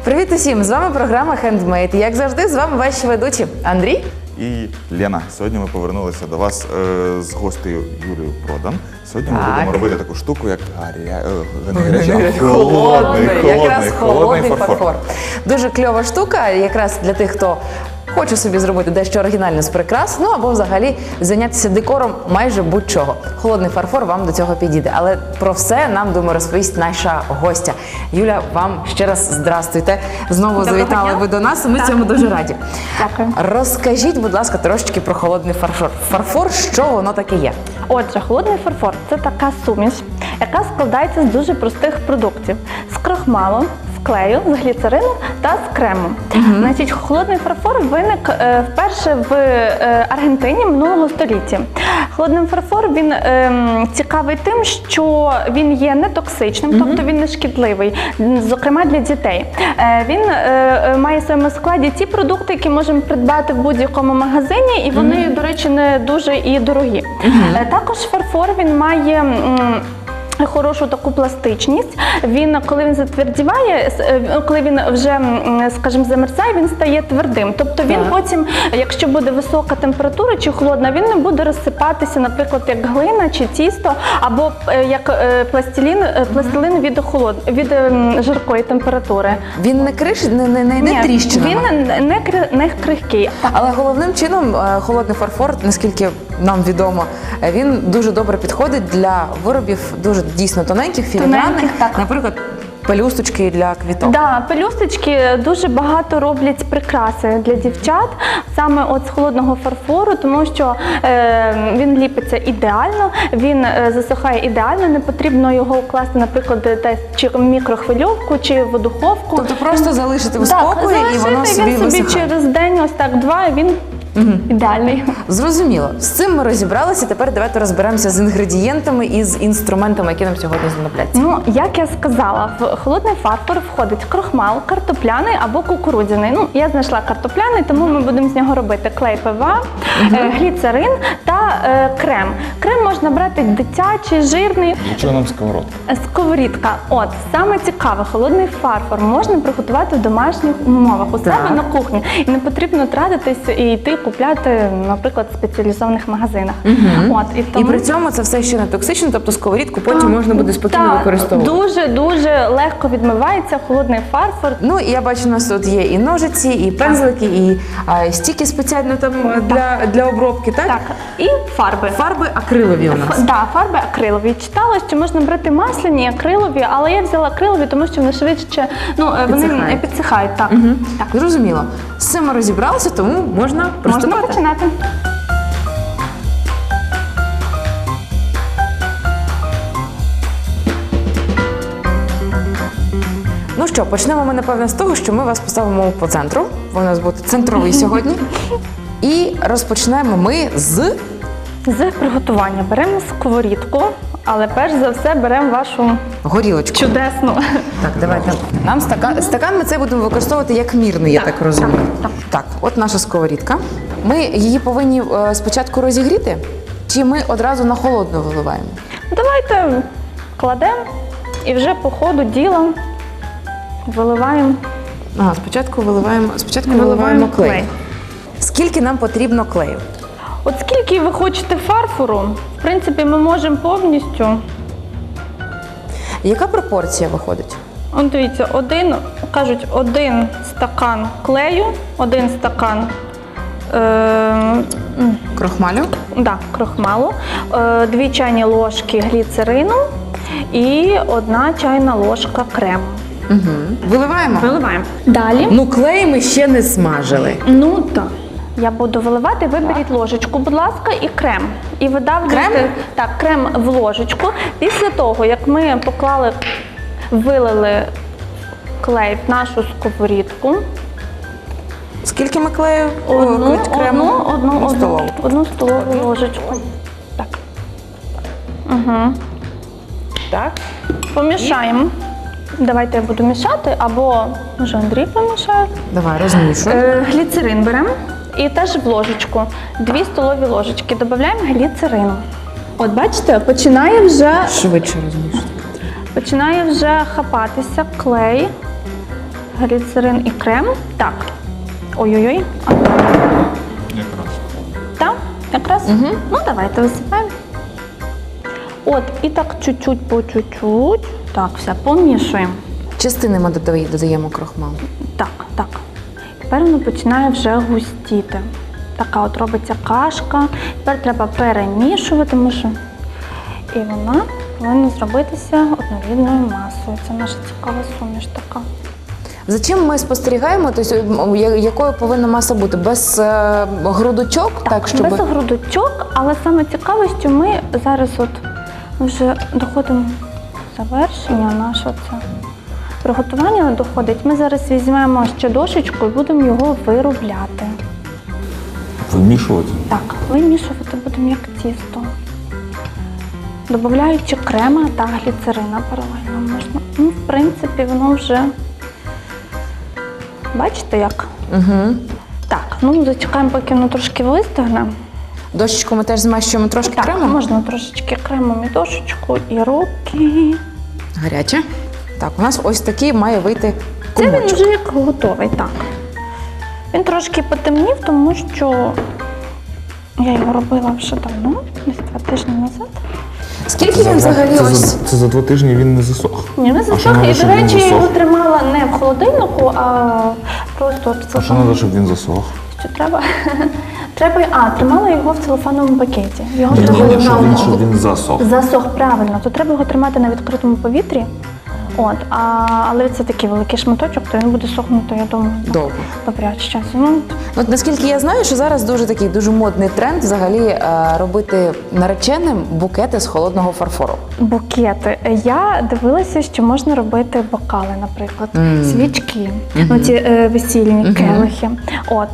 Привіт усім! З вами програма Handmade. Як завжди, з вами ваші ведучі Андрій і Лена. Сьогодні ми повернулися до вас з гостею Юлією Продан. Сьогодні ми будемо робити таку штуку, як холодний фарфор. Дуже кльова штука, якраз для тих, хто хоче собі зробити дещо оригінальне з прикрас, ну або взагалі зайнятися декором майже будь-чого. Холодний фарфор вам до цього підійде. Але про все нам, думаю, розповість наша гостя. Юля, вам ще раз здрастуйте. Знову завітали ви до нас, і ми цьому дуже раді. Дякую. Розкажіть, будь ласка, трошечки про холодний фарфор. Фарфор, що воно таке є? Отже, холодний фарфор – це така суміш, яка складається з дуже простих продуктів. З крохмалу, з клею, з гліцерину та з крему. Значить, холодний фарфор виник вперше в Аргентині минулого століття. Холодний фарфор, він цікавий тим, що він є нетоксичним, тобто він не шкідливий, зокрема для дітей. Він має в своєму складі ті продукти, які можемо придбати в будь-якому магазині, і вони, до речі, не дуже і дорогі. Також фарфор, він має хорошу таку пластичність. Він, коли він затвердіває, коли він вже, скажімо, замерзає, він стає твердим. Тобто він потім, якщо буде висока температура чи холодна, він не буде розсипатися, наприклад, як глина чи тісто, або як пластилін від жаркої температури. Він не не тріщинами? Він не крихкий. Але головним чином холодний фарфор, наскільки нам відомо, він дуже добре підходить для виробів дуже дійсно тоненьких, філігранних, наприклад, пелюсточки для квіток. Так, пелюсточки дуже багато роблять прикраси для дівчат, саме от з холодного фарфору, тому що він ліпиться ідеально, він засухає ідеально, не потрібно його укласти, наприклад, десь чи в мікрохвильовку, чи в духовку. Тобто просто залишити в спокої і воно собі висихає. Через день, ось так, два, і він ідеальний. Зрозуміло. З цим ми розібралися, тепер давайте розберемося з інгредієнтами і з інструментами, які нам сьогодні знадобляться. Ну, як я сказала, в холодний фарфор входить крохмал, картопляний або кукурудзяний. Ну, я знайшла картопляний, тому ми будемо з нього робити клей ПВА, гліцерин та крем. Крем можна брати дитячий, жирний. Для чого нам сковородка? Сковорідка. От, саме цікаве, холодний фарфор можна приготувати в домашніх умовах, у себе на кухні. І не потрібно тратитись і йти купляти, наприклад, в спеціалізованих магазинах. От, і при цьому це все ще не токсично, тобто сковорідку потім можна буде спокійно використовувати. Дуже легко відмивається холодний фарфор. Ну, і я бачу, у нас тут є і ножиці, і пензлики, і стіки спеціально там для обробки, так? Так, і фарби. Фарби акрилові у нас. Так, фарби акрилові. Читала, що можна брати масляні, акрилові, але я взяла акрилові, тому що вони швидше, вони підсихають. Так. Так, зрозуміло. З цим ми розібралися, тому можна приступати. Можна починати. Ну що, почнемо ми, напевно, з того, що ми вас поставимо по центру. Ви у нас буде центровий сьогодні. І розпочнемо ми з приготування. Беремо сковорідку, але перш за все беремо вашу горілочку. Чудесну. Так, давайте. Нам стакан ми це будемо використовувати як мірний, я так розумію. Так, от наша сковорідка. Ми її повинні спочатку розігріти, чи ми одразу на холодну виливаємо? Давайте кладемо і вже по ходу діла виливаємо. Спочатку виливаємо клей. Скільки нам потрібно клею? От скільки ви хочете фарфору, в принципі, ми можемо повністю. Яка пропорція виходить? От дивіться, один стакан клею, один стакан крохмалю? Крохмалу, 2 чайні ложки гліцерину і 1 чайна ложка крему. Виливаємо? Виливаємо. Далі. Ну, клей ми ще не смажили. Ну так. Я буду виливати, виберіть ложечку, будь ласка, і крем. І видавлюйте крем в ложечку. Після того, як ми вилили клей в нашу сковорідку. Скільки ми клею? Одну столову ложечку. Так. Так. Помішаємо. Давайте я буду мішати, або, може, Андрій помішає. Давай, розмішуй. Гліцерин беремо. І теж в ложечку, 2 столові ложечки, додаємо гліцерину. От бачите, починає вже... Швидше розмішувати. Починає вже хапатися клей. гліцерин і крем. Так. Ой-ой-ой. Якраз. Так, якраз. Ну, давайте висипаємо. От, і так чуть-чуть по чуть-чуть. Так, все, помішуємо. Частини ми додаємо крохмал. Так, так. Тепер воно починає вже густіти. Така от робиться кашка. Тепер треба перемішувати, тому що і вона повинна зробитися однорідною масою. Це наша цікава суміш така. За чим ми спостерігаємо? Тобто, якою повинна маса бути? Без грудочок? Так, щоб... Без грудочок, але саме цікаве, що ми зараз от вже доходимо до завершення нашого це. Приготування доходить. Ми зараз візьмемо ще дошечку і будемо його виробляти. Вимішувати? Так, вимішувати будемо як тісто. Додаючи крема та гліцерина паралельно можна. Ну, в принципі, воно вже, бачите як? Угу. Так, ну зачекаємо, поки воно трошки вистигне. Дощечку ми теж змащуємо трошки Так, кремом? можна трошечки кремом і дошечку, і руки. Гаряче. Так, у нас ось такий має вийти Це він комочок. вже як готовий, так. Він трошки потемнів, тому що я його робила вже давно, десь 2 тижні назад. Скільки він взагалі ось? Це за 2 тижні він не засох. Ні, не що засох. надо, І, до щоб він речі, я його засох? тримала не в холодильнику, а просто в А що треба, щоб він засох? Що треба? Тримала його в целофановому пакеті. Його Ні, треба ні, щоб він засох. засох правильно, то треба його тримати на відкритому повітрі. От, але це такий великий шматочок, то він буде сохнути, я думаю, Довго. добряч часу. Ну, От наскільки я знаю, що зараз дуже модний тренд взагалі робити нареченим букети з холодного фарфору. букети. Я дивилася, що можна робити бокали, наприклад, свічки, ну, ці весільні келихи. От,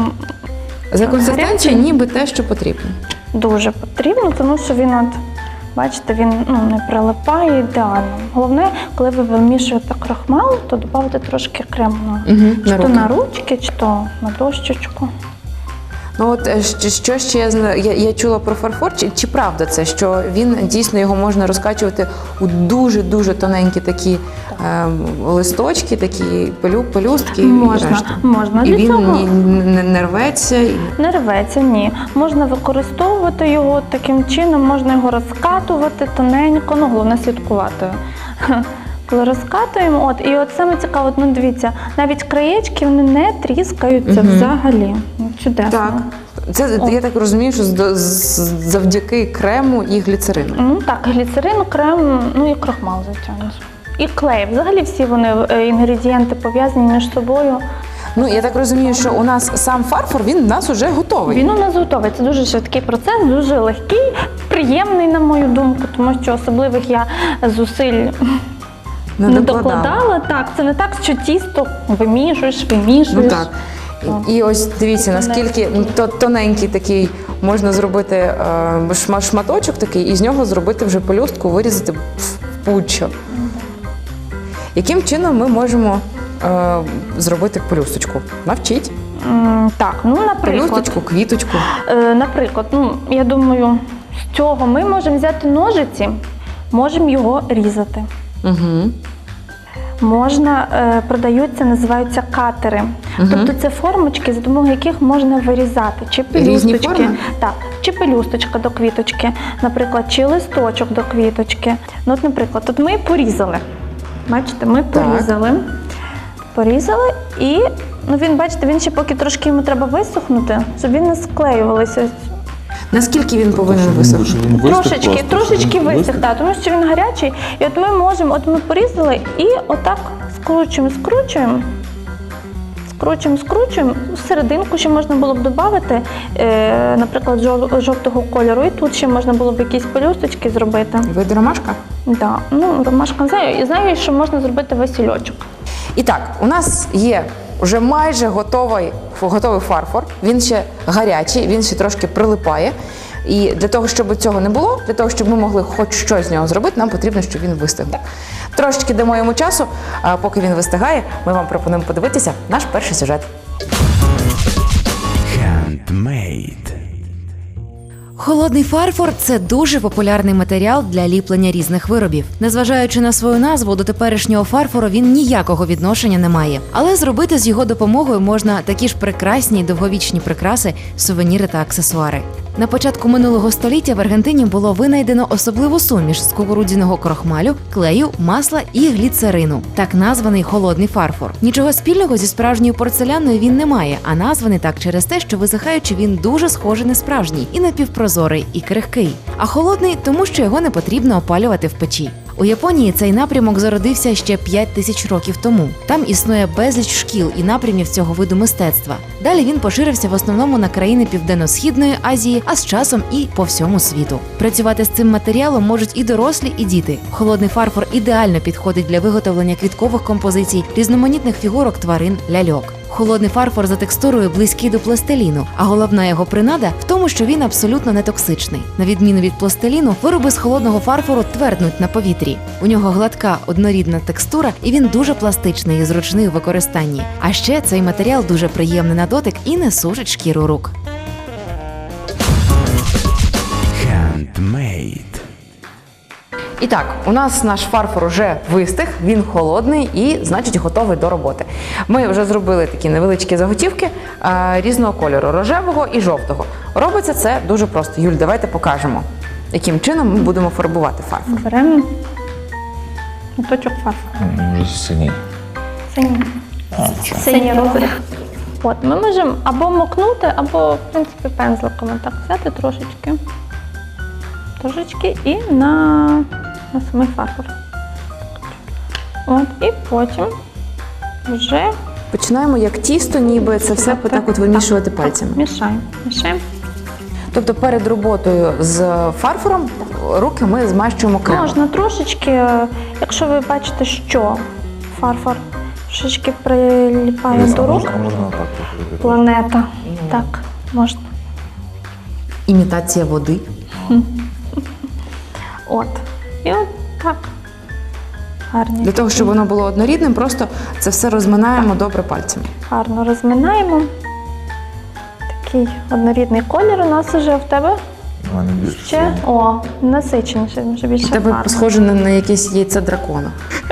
За консистенцією ніби те, що потрібно. дуже потрібно, тому що він от, бачите, він не прилипає ідеально. Головне, коли ви вимішуєте крохмал, то додати трошки крему Мгм, чи на то руки. на ручки, чи то на дощечку. Ну от що ще я чула про фарфор, чи правда це, що він дійсно його можна розкачувати у дуже тоненькі такі листочки, такі пелюстки. Можна, і решта. можна. І Для він цього не рветься. не рветься, ні. Можна використовувати його таким чином, можна його розкатувати тоненько, ну головне слідкувати. Коли розкатуємо, і от саме цікаво, ну дивіться, навіть краєчки вони не тріскаються взагалі. Ну, чудесно. Так. Це я так розумію, що завдяки крему і гліцерину. Ну так, гліцерин, крем, ну і крохмал, звичайно. І клей. Взагалі всі вони інгредієнти пов'язані між собою. Ну я так розумію, що у нас сам фарфор, він у нас уже готовий. Він у нас готовий. Це дуже швидкий процес, дуже легкий, приємний, на мою думку, тому що особливих я зусиль не докладала. Так, це не так, що тісто вимішуєш. Ну так. І ось дивіться, наскільки тоненький такий можна зробити шматочок такий, і з нього зробити вже пелюстку, вирізати в будь-що. Яким чином ми можемо зробити пелюсточку? Навчіть. Так, ну наприклад. Пелюсточку, квіточку. Наприклад, я думаю, з цього ми можемо взяти ножиці, можемо його різати. Угу. Можна, продаються, називаються катери. Тобто це формочки, за допомогою яких можна вирізати. Чи Різні пелюсточки, форми? так, чи пелюсточка до квіточки, наприклад, чи листочок до квіточки. Ну, от, наприклад, тут ми порізали. Бачите, ми порізали і, він, бачите, він ще поки трошки йому треба висохнути, щоб він не склеювалися. Наскільки він повинен висохнути? Трошечки висох, так, тому що він гарячий. І от ми можемо, ми порізали і отак скручуємо. Серединку ще можна було б додати, наприклад, жовтого кольору. І тут ще можна було б якісь пелюсточки зробити. Вийде ромашка? Так, ромашка не знаю. І знаю, що можна зробити васильочок. І так, у нас є вже майже готовий фарфор, він ще гарячий, він ще трошки прилипає. І для того, щоб цього не було, для того, щоб ми могли хоч щось з нього зробити, нам потрібно, щоб він вистиг. Трошечки дамо йому часу, а поки він вистигає, ми вам пропонуємо подивитися наш перший сюжет. Handmade. Холодний фарфор – це дуже популярний матеріал для ліплення різних виробів. Незважаючи на свою назву, до теперішнього фарфору він ніякого відношення не має. Але зробити з його допомогою можна такі ж прекрасні й довговічні прикраси, сувеніри та аксесуари. На початку минулого століття в Аргентині було винайдено особливу суміш з кукурудзяного крохмалю, клею, масла і гліцерину, так названий холодний фарфор. Нічого спільного зі справжньою порцеляною він не має, а названий так через те, що висихаючи він дуже схожий на справжній і напівпрозорий, і крихкий. А холодний, тому що його не потрібно опалювати в печі. У Японії цей напрямок зародився ще 5000 років тому. Там існує безліч шкіл і напрямів цього виду мистецтва. Далі він поширився в основному на країни Південно-Східної Азії, а з часом і по всьому світу. Працювати з цим матеріалом можуть і дорослі, і діти. Холодний фарфор ідеально підходить для виготовлення квіткових композицій, різноманітних фігурок тварин, ляльок. Холодний фарфор за текстурою близький до пластиліну, а головна його принада в тому, що він абсолютно не токсичний. На відміну від пластиліну, вироби з холодного фарфору тверднуть на повітрі. У нього гладка, однорідна текстура, і він дуже пластичний і зручний у використанні. А ще цей матеріал дуже приємний на дотик і не сушить шкіру рук. Handmade. І так, у нас наш фарфор уже вистиг, він холодний і, значить, готовий до роботи. Ми вже зробили такі невеличкі заготівки різного кольору – рожевого і жовтого. Робиться це дуже просто. Юль, давайте покажемо, яким чином ми будемо фарбувати фарфор. Беремо моточок фарфору. Може синій. Синій розріз. От, ми можемо або мокнути, або, в принципі, пензликом так взяти трошечки. Трошечки і на самий фарфор. От, і потім вже Починаємо як тісто, ніби це все так от вимішувати пальцями. Мішаємо. Тобто перед роботою з фарфором руки ми змащуємо кремом. Можна трошечки, якщо ви бачите, що фарфор трошечки приліпає до рук. Можна так. Планета. Так, можна. Імітація води. От. І от так. Гарні. Для того, щоб воно було однорідним, просто це все розминаємо добре пальцями. Гарно розминаємо. Такий однорідний колір у нас вже в тебе. У мене більше. Ще, насиченіше, вже більше Тебе фарби. схоже на якесь яйце дракона.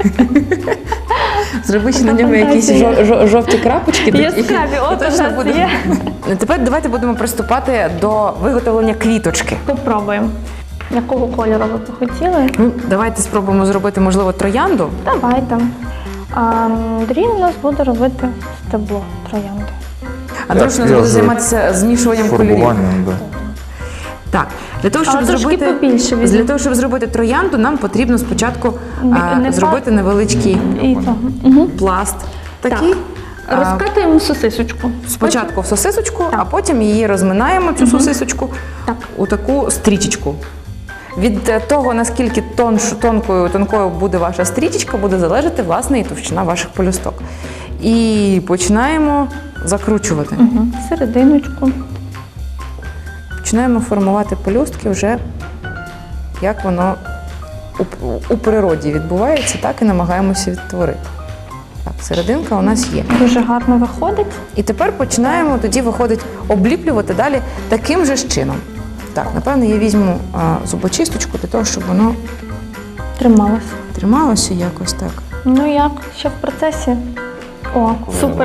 Зроби ще на Така ньому якісь фантазія. жовті крапочки. Яскраві, от у точно нас буде. є. Тепер давайте будемо приступати до виготовлення квіточки. Попробуємо. Якого кольору ви б хотіли? Ну, давайте спробуємо зробити, можливо, троянду. Давайте. Андрій у нас буде робити стебло троянди. Андрюш у нас Я буде з займатися змішуванням кольорів. Фарбуванням, так. Так, для того, щоб Але трошки зробити побільше візьму. для того, щоб зробити троянду, нам потрібно спочатку Не зробити невеличкий І того. пласт. Такий. Розкатуємо сосисочку. Спочатку в сосисочку, Так. а потім її розминаємо, цю сосисочку, Так. у таку стрічечку. Від того, наскільки тонкою буде ваша стрічечка, буде залежати, власне, і товщина ваших пелюсток. І починаємо закручувати. Серединочку. Починаємо формувати пелюстки вже, як воно у природі відбувається, так і намагаємося відтворити. Так, серединка у нас є. Дуже гарно виходить. І тепер починаємо, тоді виходить, обліплювати далі таким же ж чином. Так, напевно, я візьму зубочисточку для того, щоб воно Трималось. трималося якось так. Ну як? Ще в процесі? О, супер.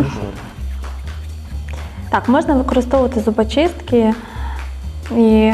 Так, можна використовувати зубочистки і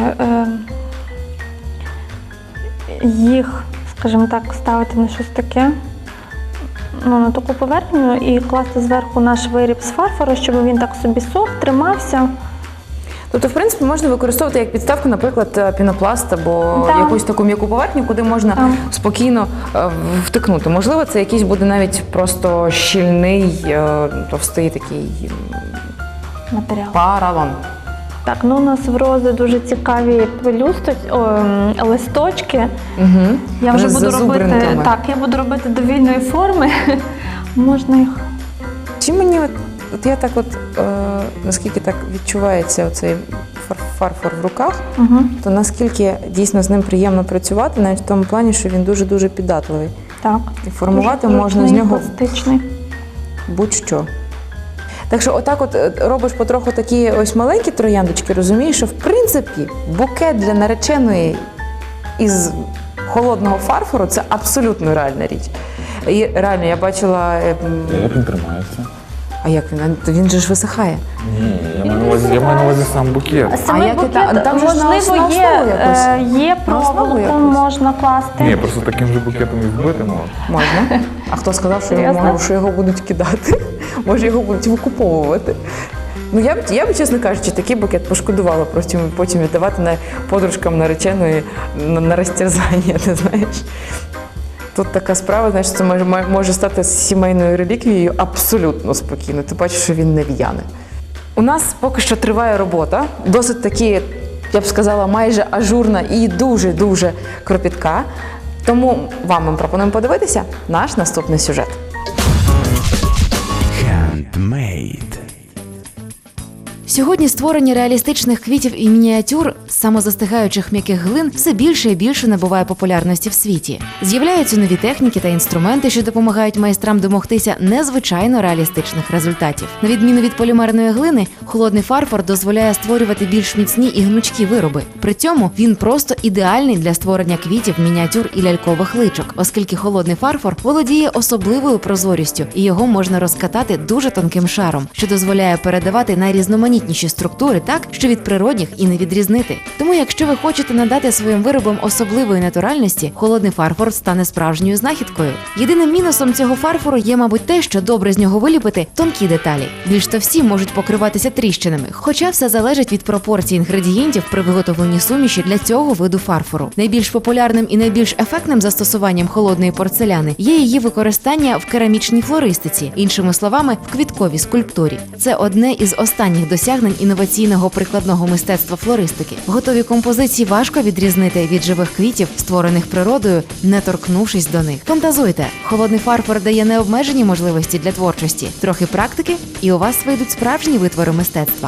їх, скажімо так, ставити на щось таке, на таку поверхню і класти зверху наш виріб з фарфору, щоб він так собі сох, тримався. Тобто, в принципі, можна використовувати як підставку, наприклад, пінопласт або Так. якусь таку м'яку поверхню, куди можна Так. спокійно втикнути. Можливо, це якийсь буде навіть просто щільний, товстий такий Матеріал. поролон. Так, ну у нас в рози дуже цікаві листочки. Угу. Я вже буду робити, зазубринками. так, я буду робити довільної форми. Можна їх. Чи мені от я так наскільки так відчувається оцей фарфор в руках, то наскільки дійсно з ним приємно працювати, навіть в тому плані, що він дуже-дуже піддатливий. Так. І формувати Дуже можна з зручний, нього пластичний. будь-що. Так що отак от робиш потроху такі ось маленькі трояндочки, розумієш, що в принципі букет для нареченої із холодного фарфору – це абсолютно реальна річ. І реально, я бачила… Як він тримається? А як він? Він же ж висихає. Ні, я маю на увазі сам букет. Самий як букет, там же ж на можливо, основу якось? є На основу проволоку, якось? можна класти. Ні, просто таким же букетом і вбити можна. Можна. А хто сказав, що Серйозно? його будуть кидати? Може, його будуть викуповувати? Ну, я б, чесно кажучи, такий букет пошкодувала потім віддавати подружкам нареченої на розтерзання, ти знаєш. Тут така справа, знаєш, це може стати сімейною реліквією абсолютно спокійно. Ти бачиш, що він не в'яне. У нас поки що триває робота, досить таки, я б сказала, майже ажурна і дуже-дуже кропітка. Тому вам ми пропонуємо подивитися наш наступний сюжет. Handmade. Сьогодні створення реалістичних квітів і мініатюр з самозастигаючих м'яких глин все більше і більше набуває популярності в світі. З'являються нові техніки та інструменти, що допомагають майстрам домогтися незвичайно реалістичних результатів. На відміну від полімерної глини, холодний фарфор дозволяє створювати більш міцні і гнучкі вироби. При цьому він просто ідеальний для створення квітів, мініатюр і лялькових личок, оскільки холодний фарфор володіє особливою прозорістю і його можна розкатати дуже тонким шаром, що дозволяє передавати найрізноманітніші структури так, що від природних і не відрізнити. Тому, якщо ви хочете надати своїм виробам особливої натуральності, холодний фарфор стане справжньою знахідкою. Єдиним мінусом цього фарфору є, мабуть, те, що добре з нього виліпити тонкі деталі. Більш товсті можуть покриватися тріщинами, хоча все залежить від пропорцій інгредієнтів при виготовленні суміші для цього виду фарфору. Найбільш популярним і найбільш ефектним застосуванням холодної порцеляни є її використання в керамічній флористиці, іншими словами, в квітковій скульптурі. Це одне із останніх досягнень інноваційного прикладного мистецтва флористики. Готові композиції важко відрізнити від живих квітів, створених природою, не торкнувшись до них. Фантазуйте! Холодний фарфор дає необмежені можливості для творчості. Трохи практики, і у вас вийдуть справжні витвори мистецтва.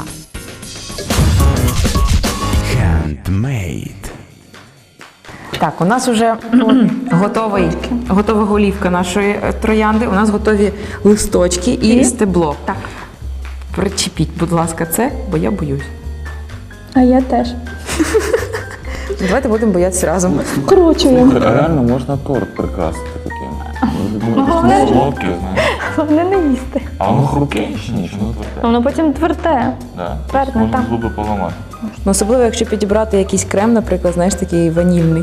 Handmade. Так, у нас вже готова голівка нашої троянди, у нас готові листочки і стебло. Так. Причепіть, будь ласка, це, бо я боюсь. А я теж. Давайте будемо боятися разом. Вкручуємо. Реально можна торт прикрасити таким. Головне, Солодкий, знаєш. головне не їсти. А воно хрупке чи ні? Чи воно тверде? Воно потім тверде. Да. Твердне, Можна так. зуби поламати. Ну, особливо, якщо підібрати якийсь крем, наприклад, знаєш, такий ванільний.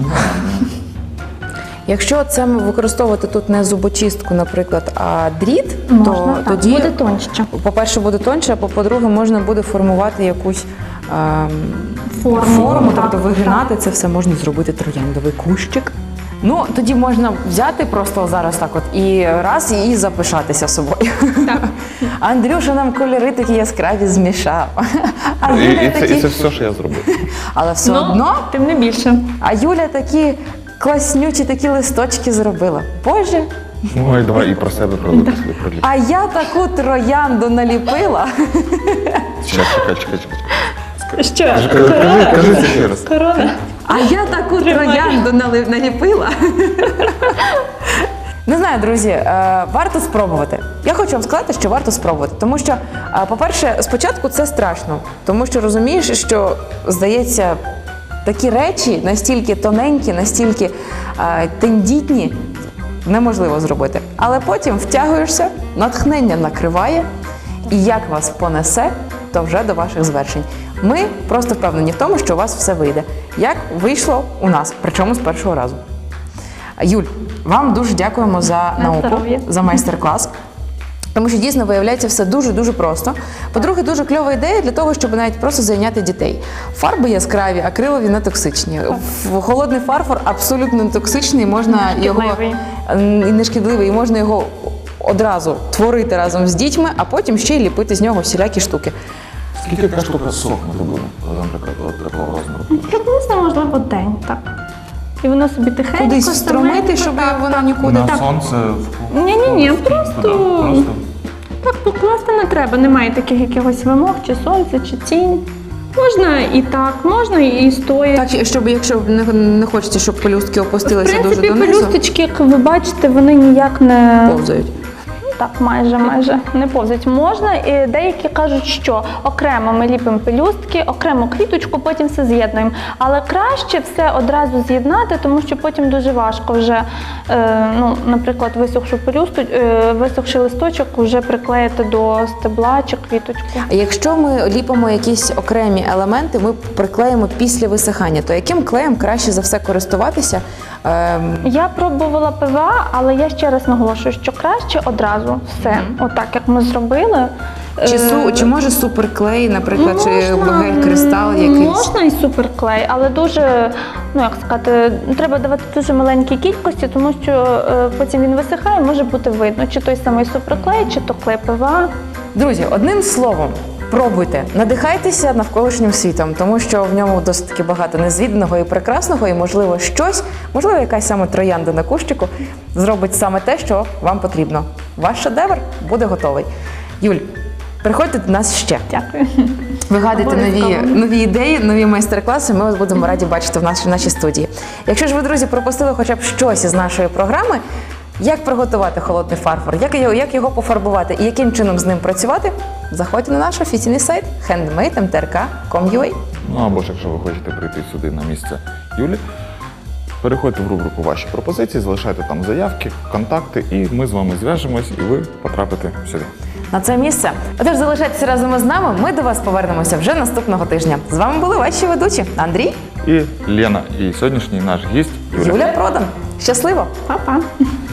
Якщо це використовувати тут не зубочистку, наприклад, а дріт, Можна, то так. тоді, Буде тоньше. по-перше, буде тоньше, а по-друге, можна буде формувати якусь Форму, тобто так, вигинати це все можна зробити трояндовий кущик. Ну, тоді можна взяти просто зараз так от і запишатися собою. Так. Андрюша нам кольори такі яскраві змішав. А Юля І це все, що я зробив. Але все одно, Тим не більше. а Юля такі класнючі такі листочки зробила. Боже, Ой, давай і про себе пролити. а я таку троянду наліпила. Чекай. Що? Кажи це ще раз. Корона. А я таку троянду наліпила. Не знаю, друзі, варто спробувати. Я хочу вам сказати, що варто спробувати. Тому що, по-перше, спочатку це страшно. Тому що розумієш, що, здається, такі речі настільки тоненькі, настільки тендітні, неможливо зробити. Але потім втягуєшся, натхнення накриває, і як вас понесе, то вже до ваших звершень. Ми просто впевнені в тому, що у вас все вийде. Як вийшло у нас, причому з першого разу. Юль, вам дуже дякуємо за науку, здоров'я. за майстер-клас. Тому що дійсно виявляється все дуже-дуже просто. По-друге, дуже кльова ідея для того, щоб навіть просто зайняти дітей. Фарби яскраві, акрилові не токсичні. Холодний фарфор абсолютно не токсичний, можна його і не шкідливий, і можна його одразу творити разом з дітьми, а потім ще й ліпити з нього всілякі штуки. Скільки така штука сохне буде, наприклад, от такого розміру? Приблизно, можливо, день, так. І воно собі тихенько, Кудись встромити, щоб воно нікуди. На сонце? Ні, просто так покласти не треба. Немає таких якихось вимог, чи сонце, чи тінь. Можна і так, можна і стоячи. Так, щоб якщо не хочеться, щоб пелюстки В опустилися дуже принципі, донизу, пелюсточки, як ви бачите, вони ніяк не повзають. Так, майже не повзуть. Можна, і деякі кажуть, що окремо ми ліпимо пелюстки, окремо квіточку, потім все з'єднуємо. Але краще все одразу з'єднати, тому що потім дуже важко вже, наприклад, висохший листочок вже приклеїти до стебла чи квіточку. А якщо ми ліпимо якісь окремі елементи, ми приклеїмо після висихання, то яким клеєм краще за все користуватися? Я пробувала ПВА, але я ще раз наголошую, що краще одразу все, отак як ми зробили. Чи може суперклей, наприклад, чи гель-кристал якийсь? Можна і суперклей, але дуже, треба давати дуже маленькі кількості, тому що потім він висихає, може бути видно, чи той самий суперклей, чи то клей ПВА. Друзі, одним словом, пробуйте, надихайтеся навколишнім світом, тому що в ньому досить таки багато незвіданого і прекрасного, і можливо, якась саме троянда на кущику зробить саме те, що вам потрібно. Ваш шедевр буде готовий. Юль, приходьте до нас ще. Дякую. Вигадуйте нові ідеї, нові майстер-класи. Ми вас будемо раді бачити в нашій студії. Якщо ж ви, друзі, пропустили хоча б щось із нашої програми, як приготувати холодний фарфор, як його пофарбувати і яким чином з ним працювати, заходьте на наш офіційний сайт handmade.mtrk.com.ua. Ну або ж якщо ви хочете прийти сюди на місце Юлі, переходьте в рубрику «Ваші пропозиції», залишайте там заявки, контакти, і ми з вами зв'яжемось, і ви потрапите сюди. На це місце. Отож, залишайтеся разом із нами, ми до вас повернемося вже наступного тижня. З вами були ваші ведучі Андрій І Лена, і сьогоднішній наш гість Юля. Юля Продан. Щасливо! Па-па.